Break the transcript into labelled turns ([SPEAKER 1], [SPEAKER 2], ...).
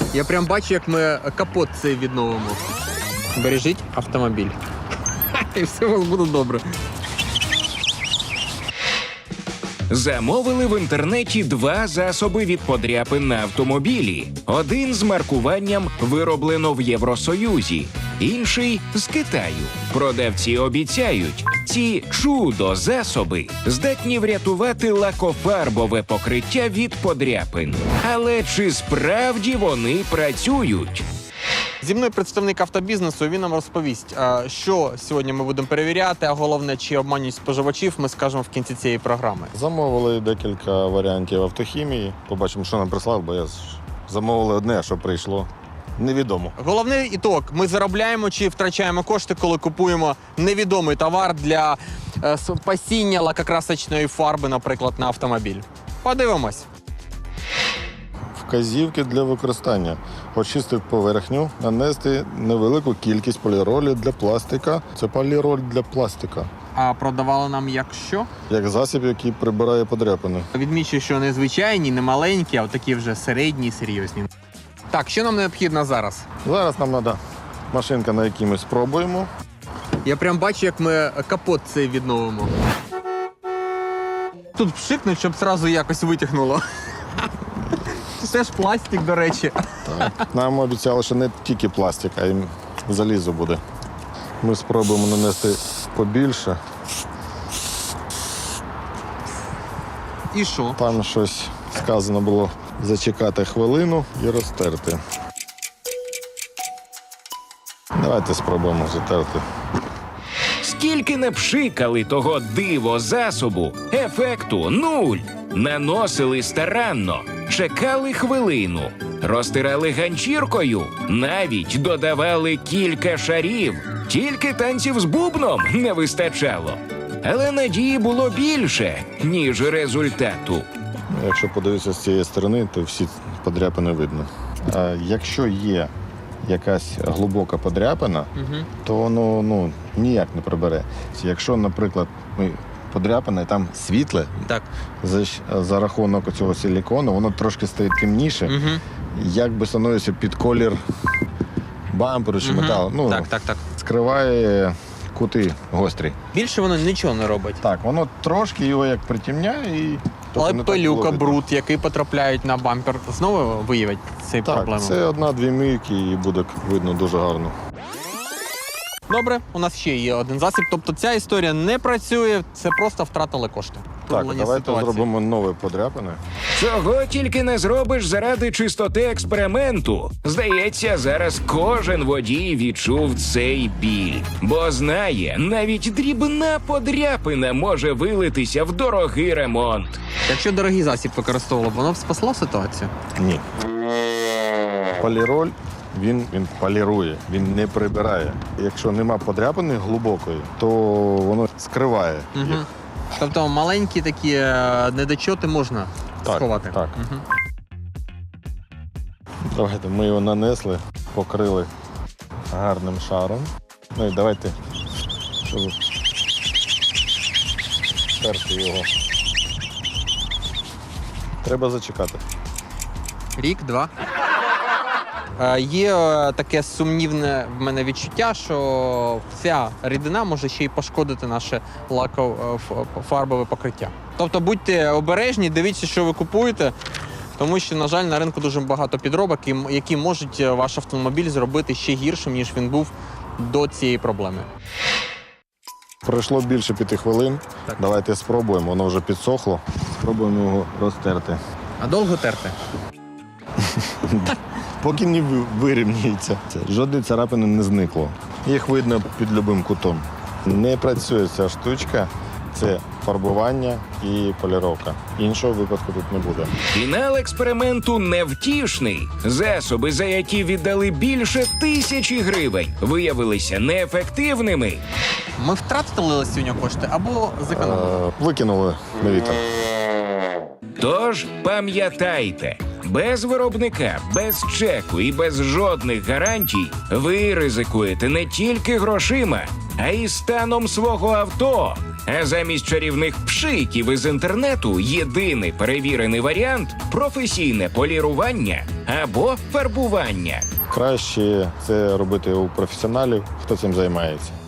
[SPEAKER 1] Я прям бачу, як ми капот цей відновимо. Бережіть автомобіль. І все у вас буде добре.
[SPEAKER 2] Замовили в інтернеті 2 засоби від подряпин на автомобілі. Один з маркуванням «Вироблено в Євросоюзі», інший – з Китаю. Продавці обіцяють, ці чудо-засоби здатні врятувати лакофарбове покриття від подряпин. Але чи справді вони працюють?
[SPEAKER 1] Зі мною представник автобізнесу, він нам розповість, що сьогодні ми будемо перевіряти, а головне, чи обманюють споживачів, ми скажемо в кінці цієї програми.
[SPEAKER 3] Замовили декілька варіантів автохімії. Побачимо, що нам прислав, бо замовили одне, а що прийшло, невідомо.
[SPEAKER 1] Головний ітог – ми заробляємо чи втрачаємо кошти, коли купуємо невідомий товар для пасіння лакокрасочної фарби, наприклад, на автомобіль. Подивимось.
[SPEAKER 3] Вказівки для використання. Очистити поверхню, нанести невелику кількість поліролі для пластика. Це поліроль для пластика.
[SPEAKER 1] А продавали нам як що?
[SPEAKER 3] Як засіб, який прибирає подряпини.
[SPEAKER 1] Відмічу, що не звичайні, не маленькі, а такі вже середні, серйозні. Так, що нам необхідно зараз?
[SPEAKER 3] Зараз нам треба машинка, на якій ми спробуємо.
[SPEAKER 1] Я прям бачу, як ми капот цей відновимо. Тут пшикнуть, щоб одразу якось витягнуло. Це ж пластик, до речі.
[SPEAKER 3] Так. Нам обіцяли, що не тільки пластик, а й залізо буде. Ми спробуємо нанести побільше.
[SPEAKER 1] І що?
[SPEAKER 3] Там щось сказано було зачекати хвилину і розтерти. Давайте спробуємо затерти.
[SPEAKER 2] Скільки не пшикали того диво-засобу, ефекту нуль. Наносили старанно, чекали хвилину, розтирали ганчіркою, навіть додавали кілька шарів. Тільки танців з бубном не вистачало. Але надії було більше, ніж результату.
[SPEAKER 3] Якщо подивитися з цієї сторони, то всі подряпини видно. А якщо є якась глибока подряпина, то воно ніяк не прибере. Якщо, наприклад, подряпина і там світле,
[SPEAKER 1] Так.
[SPEAKER 3] за рахунок цього силікону, воно трошки стає темніше, якби становиться під колір бамперу чи металу.
[SPEAKER 1] Так.
[SPEAKER 3] Скриває кути гострі.
[SPEAKER 1] Більше воно нічого не робить.
[SPEAKER 3] Так, воно трошки його як притемняє і...
[SPEAKER 1] Але
[SPEAKER 3] не так
[SPEAKER 1] пилюка,
[SPEAKER 3] було видно.
[SPEAKER 1] бруд, який потрапляють на бампер, знову виявить цей проблему?
[SPEAKER 3] Так, це 1-2 мийки і буде видно дуже гарно.
[SPEAKER 1] Добре, у нас ще є один засіб. Тобто ця історія не працює, це просто втратили кошти.
[SPEAKER 3] Так,
[SPEAKER 1] Виявлення
[SPEAKER 3] давайте
[SPEAKER 1] ситуації.
[SPEAKER 3] зробимо нові подряпини.
[SPEAKER 2] Цього тільки не зробиш заради чистоти експерименту. Здається, зараз кожен водій відчув цей біль. Бо знає, навіть дрібна подряпина може вилитися в дорогий ремонт.
[SPEAKER 1] Якщо дорогий засіб використовували, воно б спасло ситуацію?
[SPEAKER 3] Ні. Поліроль, він полірує, він не прибирає. Якщо нема подряпини глибокої, то воно скриває їх.
[SPEAKER 1] Тобто маленькі такі недочоти можна сховати?
[SPEAKER 3] Так. Давайте ми його нанесли, покрили гарним шаром. Ну і давайте, щоб стерти його. Треба зачекати.
[SPEAKER 1] Рік, 2. Є таке сумнівне в мене відчуття, що ця рідина може ще й пошкодити наше лакофарбове покриття. Тобто будьте обережні, дивіться, що ви купуєте, тому що, на жаль, на ринку дуже багато підробок, які можуть ваш автомобіль зробити ще гіршим, ніж він був до цієї проблеми.
[SPEAKER 3] Пройшло більше 5 хвилин.
[SPEAKER 1] Так.
[SPEAKER 3] Давайте спробуємо, воно вже підсохло. Спробуємо його розтерти.
[SPEAKER 1] А довго терти?
[SPEAKER 3] Поки не вирівнюється. Жодної царапини не зникло. Їх видно під будь-яким кутом. Не працює ця штучка. Це фарбування і поліровка. Іншого випадку тут не буде.
[SPEAKER 2] Фінал експерименту невтішний. Засоби, за які віддали більше 1000 гривень, виявилися неефективними.
[SPEAKER 1] Ми втратили сьогодні кошти або зекономили?
[SPEAKER 3] Викинули на вітер.
[SPEAKER 2] Тож пам'ятайте, без виробника, без чеку і без жодних гарантій ви ризикуєте не тільки грошима, а й станом свого авто. А замість чарівних пшиків із інтернету єдиний перевірений варіант – професійне полірування або фарбування.
[SPEAKER 3] Краще це робити у професіоналів, хто цим займається.